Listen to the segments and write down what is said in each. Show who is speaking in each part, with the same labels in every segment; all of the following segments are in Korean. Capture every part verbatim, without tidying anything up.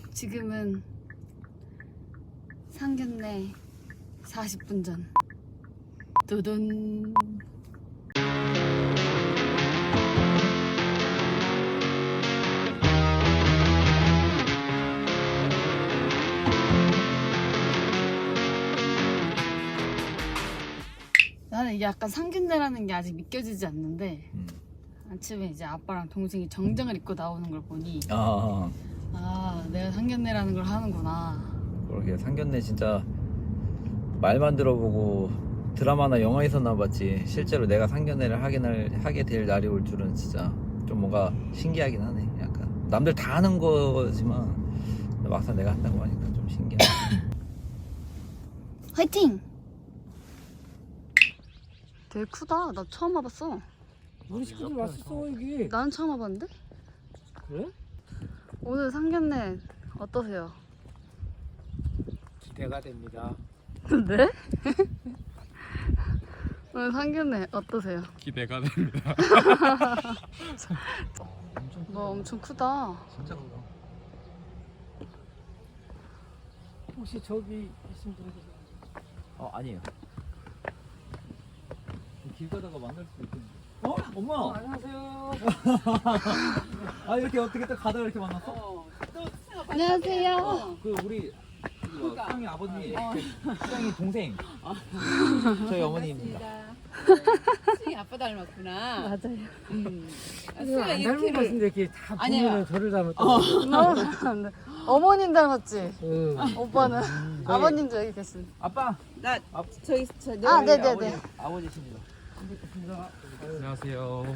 Speaker 1: 지금은 상견례 사십 분 전. 두둔. 나는 이게 약간 상견례라는 게 아직 믿겨지지 않는데
Speaker 2: 음.
Speaker 1: 아침에 이제 아빠랑 동생이 정장을 입고 나오는 걸 보니
Speaker 2: 아,
Speaker 1: 아 내가 상견례라는 걸 하는구나.
Speaker 2: 그러게 상견례 진짜 말만 들어보고 드라마나 영화에서나 봤지 실제로 내가 상견례를 하게, 날, 하게 될 날이 올 줄은 진짜 좀 뭔가 신기하긴 하네. 약간 남들 다 하는 거지만 막상 내가 한다고 하니까 좀 신기하네.
Speaker 1: 화이팅! 되게 크다. 나 처음 와봤어.
Speaker 3: 우리 식구들 왔었어 여기.
Speaker 1: 나는 처음 와봤는데?
Speaker 3: 그래?
Speaker 1: 오늘 상견례 어떠세요?
Speaker 3: 기대가 됩니다.
Speaker 1: 네? 오늘 상견례 어떠세요?
Speaker 4: 기대가 됩니다.
Speaker 1: 뭐 엄청 크다.
Speaker 2: 진짜 크다.
Speaker 3: 혹시 저기 계신 분들
Speaker 2: 어, 아니에요. 길 가다가 만날 수도 있겠는데. 어? 엄마!
Speaker 3: 안녕하세요.
Speaker 2: 아, 이렇게 어떻게 또 가다가 이렇게 만났어?
Speaker 5: 어, 또 승아 봤
Speaker 1: 안녕하세요.
Speaker 2: 그 우리
Speaker 5: 그러니까.
Speaker 2: 수영이 아버님,
Speaker 5: 어.
Speaker 2: 수영이 동생, 저희 어머니입니다.
Speaker 5: 승이 아빠 닮았구나.
Speaker 1: 맞아요.
Speaker 5: 음. 아,
Speaker 3: 이거
Speaker 5: 승아
Speaker 3: 안 닮은 것
Speaker 5: 이렇게를
Speaker 3: 같은데 이렇게 다
Speaker 5: 아니에요.
Speaker 3: 보면은 저를 닮았다.
Speaker 1: 어. 어머님 닮았지?
Speaker 3: 응.
Speaker 1: 오빠는 아버님도 여기 계신.
Speaker 2: 아빠!
Speaker 5: 나
Speaker 2: 아,
Speaker 5: 저기 저 내.
Speaker 1: 아,
Speaker 2: 저희
Speaker 1: 네네네.
Speaker 2: 아버지, 아버지십니다.
Speaker 4: 안녕하세요.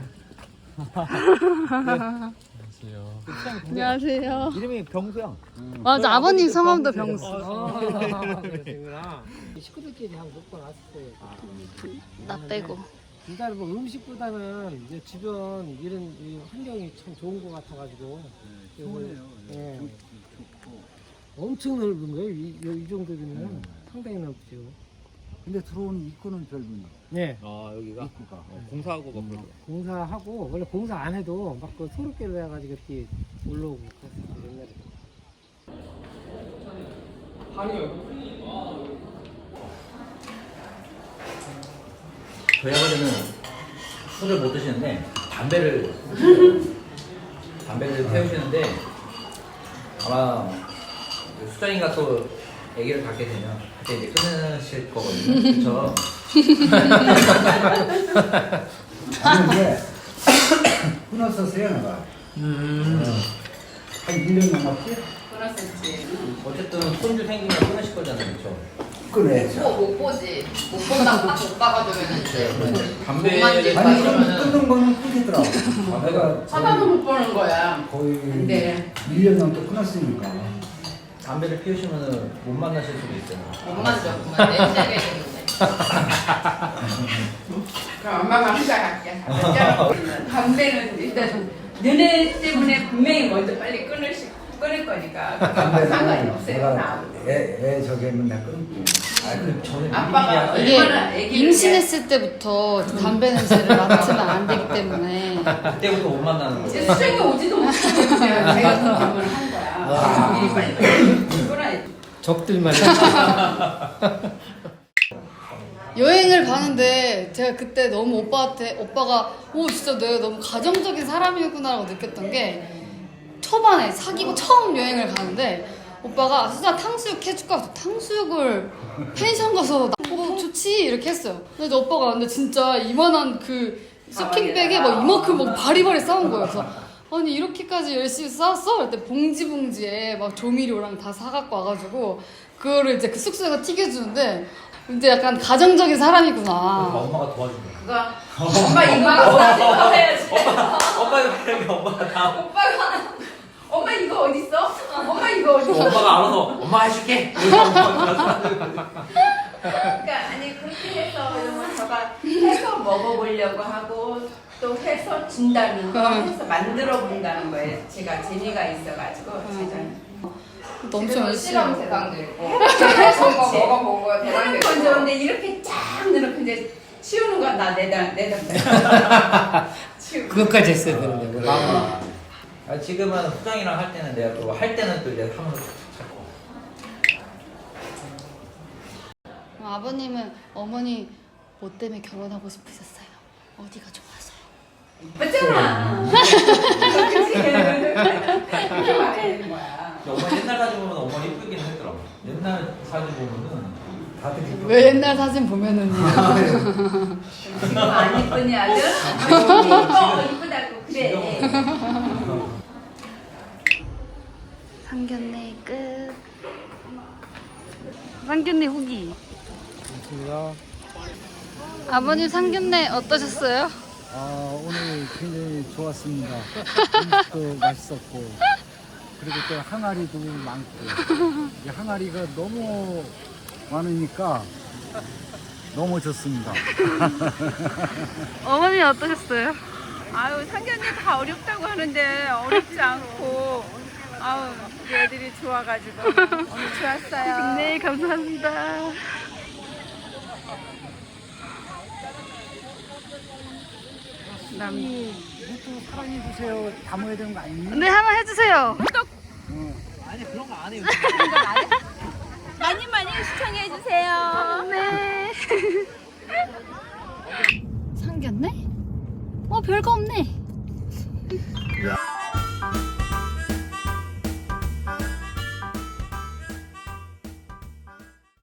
Speaker 4: 안녕하세요.
Speaker 2: 그 수영이 동생.
Speaker 1: 안녕하세요.
Speaker 2: 이름이 병수형.
Speaker 1: 맞아, 아버님 성함도
Speaker 2: 병수.
Speaker 1: 병수.
Speaker 3: 아, 그러시구나. 식구들끼리 한 몇 번 왔을 때.
Speaker 1: 나 빼고.
Speaker 3: 일단 뭐 음식보다는 이제 주변 이런 이 환경이 참 좋은 것 같아가지고. 좋네요. 예. 엄청 넓은 거예요. 이, 이 정도면 상당히 넓죠.
Speaker 6: 근데 들어오는 입구는 별분이
Speaker 3: 네.
Speaker 2: 아, 여기가
Speaker 6: 입구가
Speaker 2: 어, 공사하고 막 그러더라고.
Speaker 3: 공사하고 원래 공사 안 해도 막 그 소로길로 해가지고 이렇게 올라오고 그랬었어요 옛날에.
Speaker 2: 저희 아버지는 술을 못 드시는데 담배를 피우세요. 담배를 태우시는데 아마 그 수정이가 또 아기를 갖게 되면 그때 이제 끊으실 거거든요. 그렇죠?
Speaker 6: 아니 이게 끊었었어요 내가
Speaker 2: 음.
Speaker 6: 한 일 년 넘었지?
Speaker 5: 끊었었지.
Speaker 2: 어쨌든 손주 생기면 끊으실 거잖아요, 그렇죠?
Speaker 6: 끊어야죠.
Speaker 5: 못 보지. 못 본다고 딱 못 봐가지고는 이제.
Speaker 2: 담배
Speaker 5: 돈만
Speaker 6: 아니 끊-
Speaker 2: 그러면은
Speaker 6: 끊는 거는 끊기더라고. 내가
Speaker 5: 쳐다도 못 보는 거야.
Speaker 6: 거의
Speaker 5: 근데
Speaker 6: 일 년 넘게 끊었으니까.
Speaker 2: 담배를 피우시면은 못 만나실 수도 있잖아요.
Speaker 5: 못 만져. 그만 냄새가 있는데. 그럼 엄마가 혼자 갈게. 담배는 일단 너네 때문에 분명히 먼저 빨리 끊을 시, 끊을 거니까. 그건 상관이 없어요.
Speaker 6: 내가
Speaker 5: 나.
Speaker 6: 애, 애 저기 하면 내가 끊을게.
Speaker 2: 아, 그 저는
Speaker 5: 아빠가
Speaker 2: 미리
Speaker 1: 이게
Speaker 5: 얼마나 애기를
Speaker 1: 임신했을 때부터 담배 냄새를 맡으면 안 되기 때문에
Speaker 2: 그때부터 못 만나는
Speaker 5: 이제
Speaker 2: 거예요.
Speaker 5: 수정이 오지도 못하고 제가 제가 그 질문을 한 거야. 미리 빨리 빨리 끊어야지.
Speaker 3: 적들만.
Speaker 1: 여행을 가는데 제가 그때 너무 오빠한테 오빠가 오 진짜 내가 너무 가정적인 사람이구나라고 느꼈던 게 초반에 사귀고 처음 여행을 가는데 오빠가 수자 탕수육 해줄까? 그래서 탕수육을 펜션 가서 나- 어, 좋지 이렇게 했어요. 근데 오빠가 근데 진짜 이만한 그 쇼핑백에 막 이만큼 막 바리바리 싸운 거예요. 그래서 아니 이렇게까지 열심히 싸웠어? 그때 봉지 봉지에 막 조미료랑 다 사갖고 와가지고 그거를 이제 그 숙소에서 튀겨주는데 근데 약간 가정적인 사람이구나.
Speaker 2: 엄마가 도와준 거야.
Speaker 5: 그거 엄마 이거 어디서 해야지.
Speaker 2: 엄마가 그러게 엄마가 다.
Speaker 5: 오빠가 엄마 이거 어디 있어? 엄마 이거 어디 있어?
Speaker 2: 엄마가 알아서 엄마 해줄게.
Speaker 5: 그러니까 아니 그렇게 해서 이러면 저가 해서 먹어보려고 하고 또 해서 준다는 거 해서 만들어 본다는 거에 제가 재미가 있어가지고 제가
Speaker 1: 너무
Speaker 5: 집에서
Speaker 1: 열심히
Speaker 5: 실험 대상도 있고 해서 먹어보고 대상도 있고 건졌는데 이렇게 쫙 넣어놓고 이제 치우는 거야 나 내다 내다 치우고
Speaker 3: 그것까지 했어야 되는데.
Speaker 2: 아, 아, 지금은 후장이랑 할 때는 내가 또 할 때는 또 이제 함으로 찾고.
Speaker 1: 아버님은 어머니 뭐 때문에 결혼하고 싶으셨어요? 어디가 좋아서요?
Speaker 5: 이쁘잖아. 그치? 그렇게 말해야 되는 거야.
Speaker 2: 어머니 옛날 사진 보면 어머니 이쁘긴 했더라고. 옛날 사진 보면은
Speaker 6: 다들 이쁘-
Speaker 1: 왜 옛날 사진 보면은요?
Speaker 5: 지금 안 이쁘니 아들? 이뻐 이쁘다고 그래.
Speaker 1: 상견례 끝. 상견례 후기.
Speaker 4: 반갑습니다.
Speaker 1: 아버님 상견례 어떠셨어요?
Speaker 4: 아, 오늘 굉장히 좋았습니다. 음식도 맛있었고, 그리고 또 항아리도 많고, 이 항아리가 너무 많으니까 너무 좋습니다.
Speaker 1: 어머니 어떠셨어요?
Speaker 5: 아유 상견례 다 어렵다고 하는데 어렵지 않고 아우 우리 애들이 좋아가지고 오늘 좋았어요.
Speaker 1: 네, 감사합니다. 남...
Speaker 4: 이것도 사랑해주세요. 담아야 되는 거 아니니?
Speaker 1: 네, 한번 해주세요.
Speaker 5: 많이 많이 시청해 주세요.
Speaker 1: 네. 상견례? 어, 별거 없네.
Speaker 2: 야.